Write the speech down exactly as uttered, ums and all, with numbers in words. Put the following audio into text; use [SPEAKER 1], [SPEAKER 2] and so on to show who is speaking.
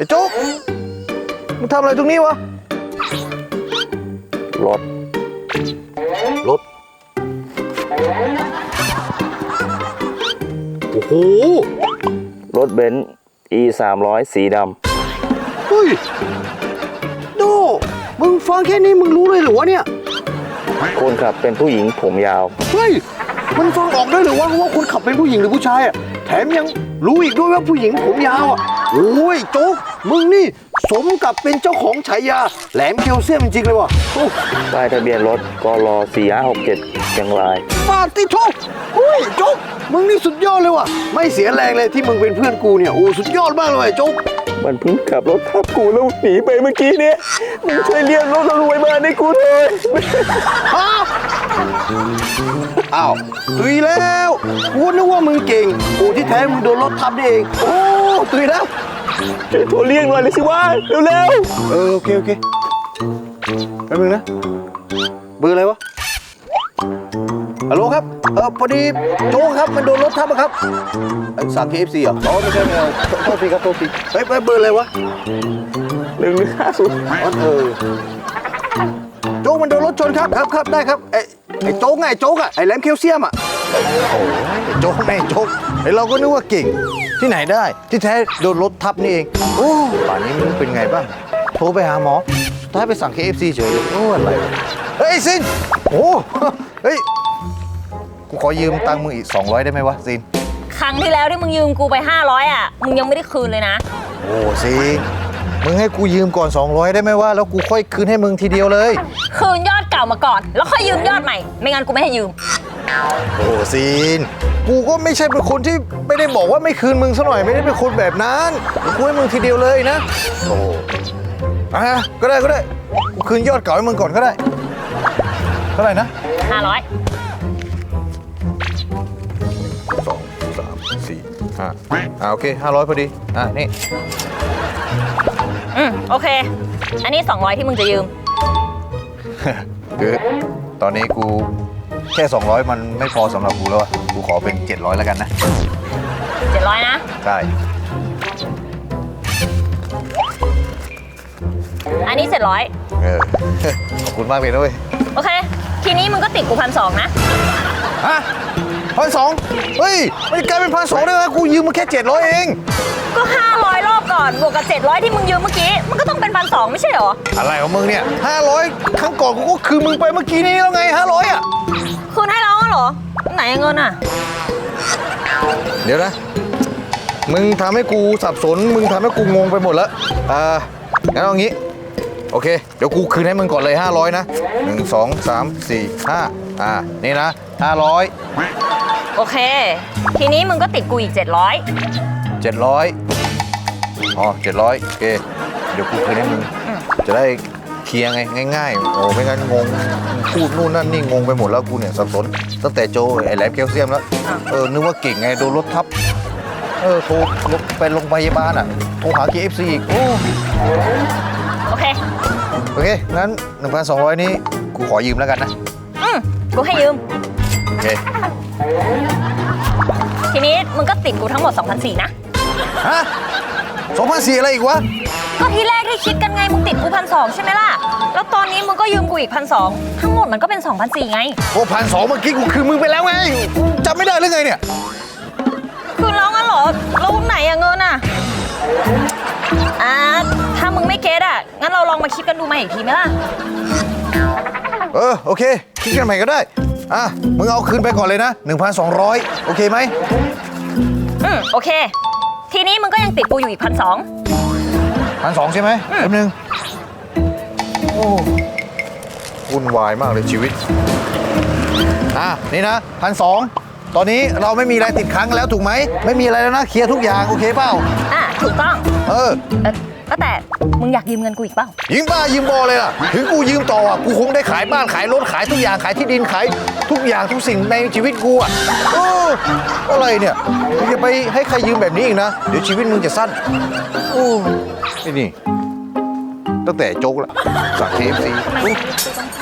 [SPEAKER 1] ไอ้โจ๊กมึงทำอะไรตรงนี้วะ
[SPEAKER 2] รถรถโอ้โหรถเบนซ์ อี สามร้อยสีดำ
[SPEAKER 1] เฮ้ยโดมึงฟังแค่นี้มึงรู้เลยเหรอวะเนี่ย
[SPEAKER 2] คนขับเป็นผู้หญิงผมยาว
[SPEAKER 1] เฮ้ยมันฟังออกได้หรือว่าว่าคนขับเป็นผู้หญิงหรือผู้ชายอ่ะแถมยังรู้อีกด้วยว่าผู้หญิงผมยาวอ่ะโอ้ยโจ๊กมึงนี่สมกับเป็นเจ้าของฉายาแหลมแคลเซียมจริงเลยว่ะ
[SPEAKER 2] ป้ายทะเบียนรถกรสี่ห้าหกเจ็ดเชียงราย
[SPEAKER 1] ปาติโจ๊กเฮ้ยโจ๊กมึงนี่สุดยอดเลยว่ะไม่เสียแรงเลยที่มึงเป็นเพื่อนกูเนี่ยโอ้สุดยอดมากเลยโจ๊ก
[SPEAKER 2] มันเพิ่งขับรถทับกูแล้วหนีไปเมื่อกี้เนี่ยมึงช่วยเรียกรถรวยมาให้กูเลย
[SPEAKER 1] อ้าวตุยแล้วกูนึกว่ามึงเก่งโอ้ที่แท้มึงโดนรถทับนี่เองโอ้ตุยแล้ว
[SPEAKER 2] ช่วยโทรเรียกหน่อยเลยสิว่าเร็ว
[SPEAKER 1] ๆเออโอเคโอเคแป๊บนึงนะเบอร์อะไรวะฮัลโหลครับเออพอดีโจ๊กครับมันโดนรถทับครับสั่ง เค เอฟ ซี เหรออ๋อไม่ใช่ไม่ใช่โทษทีครับโทษทีเฮ้ยเบอร์อะไรวะ
[SPEAKER 2] หนึ่งหนึ่งห้าศูนย์
[SPEAKER 1] เออโจ๊กมันโดนรถชนครับครับครับได้ครับไอ้ไอ้โจ๊กไงโจ๊กอะไอ้แหลมแคลเซียมอะโอ้ยโจ๊กไงโจ๊กไอ้เราก็นึกว่าเก่งที่ไหนได้ที่แท้โดนรถทับนี่เองโอ้ป่านนี้มึงเป็นไงบ้างโทรไปหาหมอถ้าไปสั่ง เค เอฟ ซี เฉยโอ้อะไรเฮ้ยซินโอ้เฮ้ยกูขอยืมตังค์มึงอีกสองร้อยได้ไหมวะซิน
[SPEAKER 3] ครั้งที่แล้วที่มึงยืมกูไปห้าร้อยอ่ะมึงยังไม่ได้คืนเลยนะ
[SPEAKER 1] โอ้ซินมึงให้กูยืมก่อนสองร้อยได้ไหมวะแล้วกูค่อยคืนให้มึงทีเดียวเลย
[SPEAKER 3] คืนยอดเก่ามาก่อนแล้วค่อยยืมยอดใหม่ไม่งั้นกูไม่ให้ยืม
[SPEAKER 1] โอ้ซินกูก็ไม่ใช่เป็นคนที่ไม่ได้บอกว่าไม่คืนมึงซะหน่อยไม่ได้เป็นคนแบบนั้นกูให้มึงทีเดียวเลยนะโอ้อ่ะก็ได้ก็ได้กูคืนยอดเก่าให้มึงก่อนก็ได้เท่าไหร่นะ
[SPEAKER 3] ห้าร้อย
[SPEAKER 1] สองสามสี่ห้าอ่าโอเคห้าร้อยพอดีอ่ะนี่
[SPEAKER 3] อืมโอเคอันนี้สองร้อยที่มึงจะยืม
[SPEAKER 1] คือตอนนี้กูแค่สองร้อยมันไม่พอสำหรับกูแล้วกูขอเป็นเจ็ดร้อยแล้วกันนะ
[SPEAKER 3] เจ็ดร้อยนะ
[SPEAKER 1] ใช่
[SPEAKER 3] อันนี้เจ็ดร้อย
[SPEAKER 1] เออขอบคุณมากเลยนะเว้ย
[SPEAKER 3] โอเคทีนี้มึงก็ติดกูพันสองนะ
[SPEAKER 1] ฮะพันสองเฮ้ยมันกลายเป็นพันสองได้ไหมกูยืมมาแค่เจ็ดร้อยเอง
[SPEAKER 3] ก็ห้าร้อยรอบก่อนบวกกับเจ็ดร้อยที่มึงยืมเมื่อกี้มันก็ต้องเป็นพันสองไม่ใช่เหรอ
[SPEAKER 1] อะไรของมึงเนี่ยห้าร้อยครั้งก่อนกูก็คืนมึงไปเมื่อกี้นี้แล้วไงห้าร้อยอ่ะ
[SPEAKER 3] คืนให้แล้วเหรอไหนเงินอ่ะ
[SPEAKER 1] เดี๋ยวนะมึงทำให้กูสับสนมึงทำให้กูงงไปหมดแล้วอ่างั้นเอางี้โอเคเดี๋ยวกูคืนให้มึงก่อนเลยห้าร้อยนะหนึ่งสองสามสี่ห้าอ่านี่นะห้าร้อย
[SPEAKER 3] โอเคทีนี้มึงก็ติดกูอีกเจ็ดร้อย
[SPEAKER 1] เจ็ดร้อยอ๋อเจ็ดร้อยโอเคเดี๋ยวกูคืนให้มึงจะได้เคลียร์ไงง่ายๆโอ้ไม่งั้นงงพูดนู่นนั่นนี่งงไปหมดแล้วกูเนี่ยสับสนตั้งแต่โจไอ้แหลมแคลเซียมแล้วเออนึกว่าเก่งไงโดนรถทับเออโทรไปโรงพยาบาลอ่ะโทรหา เค เอฟ ซี อีกโอ้
[SPEAKER 3] โอเค
[SPEAKER 1] โอเคงั้น หนึ่งพันสองร้อย นี้กูขอยืมแล้วกันนะ
[SPEAKER 3] อืมกูให้ยืม
[SPEAKER 1] โอเค
[SPEAKER 3] ทีนี้มึงก็ติดกูทั้งหมด สองพันสี่ร้อย นะ
[SPEAKER 1] ฮะ สองพันสี่ร้อย อะไรอีกวะ
[SPEAKER 3] ก็ทีแรกที่คิดกันไงมึงติดกูพันสองใช่ไหมล่ะแล้วตอนนี้มึงก็ยืมกูอีกพันสองทั้งหมดมันก็เป็น สองพันสี่ร้อย ไง
[SPEAKER 1] โอ้พันสองเมื่อกี้กูคืนมึงไปแล้วไงจำไม่ได้หรือไงเนี่ย
[SPEAKER 3] คืนแล้วงั้นเหรอแล้วไหนอะเงินอะอ่าถ้ามึงไม่เก็ตอ่ะงั้นเราลองมาคิดกันดูใหม่อีกทีไหมล่ะ
[SPEAKER 1] เออโอเคคิดกันใหม่ก็ได้อ่ะมึงเอาคืนไปก่อนเลยนะ หนึ่งพันสองร้อย โอเคไหม
[SPEAKER 3] อืมโอเคทีนี้มึงก็ยังติดกูอยู่อีกพันสอง
[SPEAKER 1] พันสองใช่ไหมแป๊บนึงโอ้วุ่นวายมากเลยชีวิตอ่ะนี่นะพันสองตอนนี้เราไม่มีอะไรติดค้างแล้วถูกไหมไม่มีอะไรแล้วนะเคลียร์ทุกอย่างโอเคเปล่า
[SPEAKER 3] อ่ะถูกต้อง
[SPEAKER 1] เออ
[SPEAKER 3] ก็แต่มึงอยากยืมเงินกูอีกเปล่า
[SPEAKER 1] ยืมบ้ายืมบอเลยล่ะถึงกูยืมต่ออ่ะกูคงได้ขายบ้านขายรถขายทุกอย่างขายที่ดินขายทุกอย่างทุกสิ่งในชีวิตกูอ่ะเอออะไรเนี่ยมึงจะไปให้ใครยืมแบบนี้อีกนะเดี๋ยวชีวิตมึงจะสั้นโอ้ไอ้นี่ตั้งแต่โจ๊กละจาก เค เอฟ ซี